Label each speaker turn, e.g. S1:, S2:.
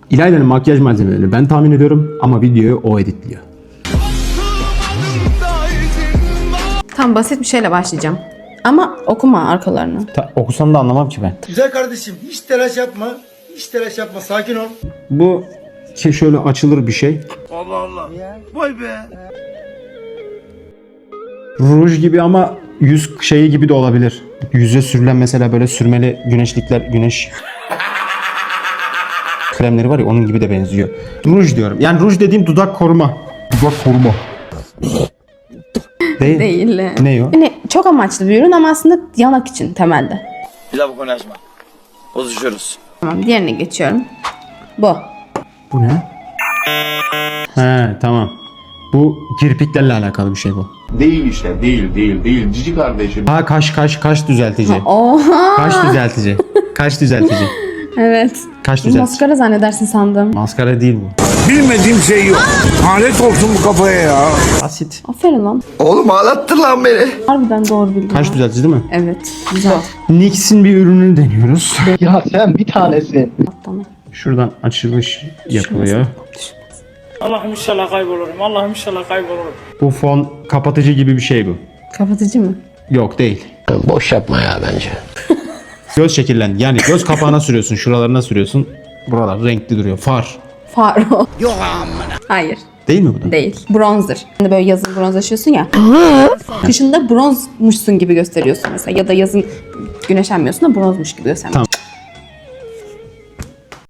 S1: İlayda'nın makyaj malzemelerini ben tahmin ediyorum ama videoyu o editliyor.
S2: Tam basit bir şeyle başlayacağım. Ama okuma arkalarını.
S1: Okusam da anlamam ki ben.
S3: Güzel kardeşim hiç telaş yapma. Hiç telaş yapma, sakin ol.
S1: Bu şöyle açılır bir şey.
S3: Allah Allah. Vay be.
S1: Ruj gibi ama yüz şeyi gibi de olabilir. Yüze sürülen mesela böyle sürmeli güneşlikler, güneş kremleri var ya, onun gibi de benziyor. Ruj diyorum. Yani ruj dediğim dudak koruma. Dudak koruma. Değil.
S2: Değil.
S1: Ne o?
S2: Yani çok amaçlı bir ürün ama aslında yanak için temelde.
S3: Bir daha bu konuyu açma. Bozuşuyoruz.
S2: Tamam, diğerine geçiyorum. Bu.
S1: Bu ne? He, tamam. Bu kirpiklerle alakalı bir şey bu.
S4: Değil işte, değil. Cici kardeşim.
S1: Ha, kaş düzeltici.
S2: Oha!
S1: Kaş düzeltici. Kaş düzeltici.
S2: Evet.
S1: Kaş düzeltici.
S2: Maskara zannedersin sandım.
S1: Maskara değil bu.
S5: Bilmediğim şey yok. Alet olsun bu kafaya ya.
S1: Basit.
S2: Aferin lan.
S3: Oğlum ağlattın lan beni.
S2: Harbiden doğru bildin.
S1: Kaş
S2: ha.
S1: düzeltici değil mi?
S2: Evet. Güzel.
S1: NYX'in bir ürününü deniyoruz.
S6: Ya sen bir tanesin.
S2: Tamam.
S1: Şuradan açılış yapılıyor.
S7: Allah'ım inşallah kaybolurum. Allah'ım inşallah kaybolurum.
S1: Bu fon kapatıcı gibi bir şey bu.
S2: Kapatıcı mı?
S1: Yok, değil.
S6: Boş yapma ya bence.
S1: Göz şekillendi. Yani göz kapağına sürüyorsun, şuralarına sürüyorsun. Buralar renkli duruyor. Far.
S2: Far o. Yok amına. Hayır.
S1: Değil mi bu da?
S2: Değil. Bronzer. Hani böyle yazın bronzlaşıyorsun ya. Kışında bronzmuşsun gibi gösteriyorsun mesela. Ya da yazın güneşlenmiyorsun da bronzmuş gibi gösteriyorsun.